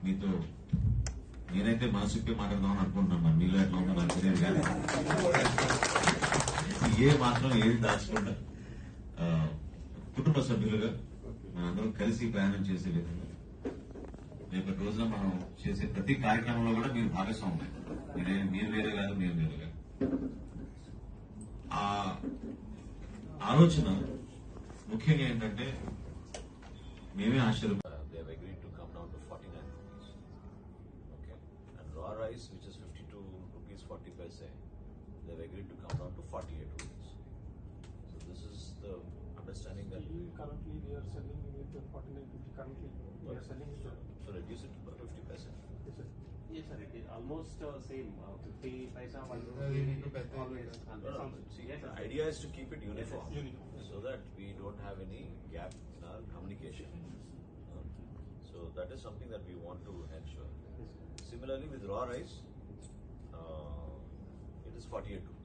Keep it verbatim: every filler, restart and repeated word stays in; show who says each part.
Speaker 1: మీతో నేనైతే మనసుకే మాట్లాడదామని అనుకుంటున్నాను. మరి మీలో ఎట్లా ఉందో నాకు తెలియదు కానీ ఏ మాత్రం ఏది దాచకుండా కుటుంబ సభ్యులుగా మనందరం కలిసి ప్రయాణం చేసే విధంగా రేపటి రోజున మనం చేసే ప్రతి కార్యక్రమంలో కూడా మీరు భాగస్వామ్యం. మీరే మీరు వేరే కాదు, మేము వేరే కాదు. ఆ ఆలోచన ముఖ్యంగా ఏంటంటే మేమే ఆశ్చర్యం.
Speaker 2: They have agreed to come down to forty-nine rupees. Okay. And raw rice, which is fifty-two rupees forty paise, they have agreed to come down to forty-eight rupees. So this is the understanding that we
Speaker 3: currently we are selling it at forty-nine fifty. Currently we are selling it.
Speaker 2: so reduce it to fifty paise.
Speaker 3: Yes, sir.
Speaker 4: Yes, sir. It is almost uh, same. Uh, Fifty paisa, one rupee, always. And
Speaker 2: No, no,
Speaker 4: sounds-
Speaker 2: see,
Speaker 4: yes,
Speaker 2: the
Speaker 4: sir.
Speaker 2: idea is to keep it uniform,
Speaker 3: Yes, uniform.
Speaker 2: so that we don't have any gap in our communication. Uh, So that is something that we want to ensure.
Speaker 3: Yes, sir.
Speaker 2: Similarly, with raw rice, uh, it is forty-eight rupees.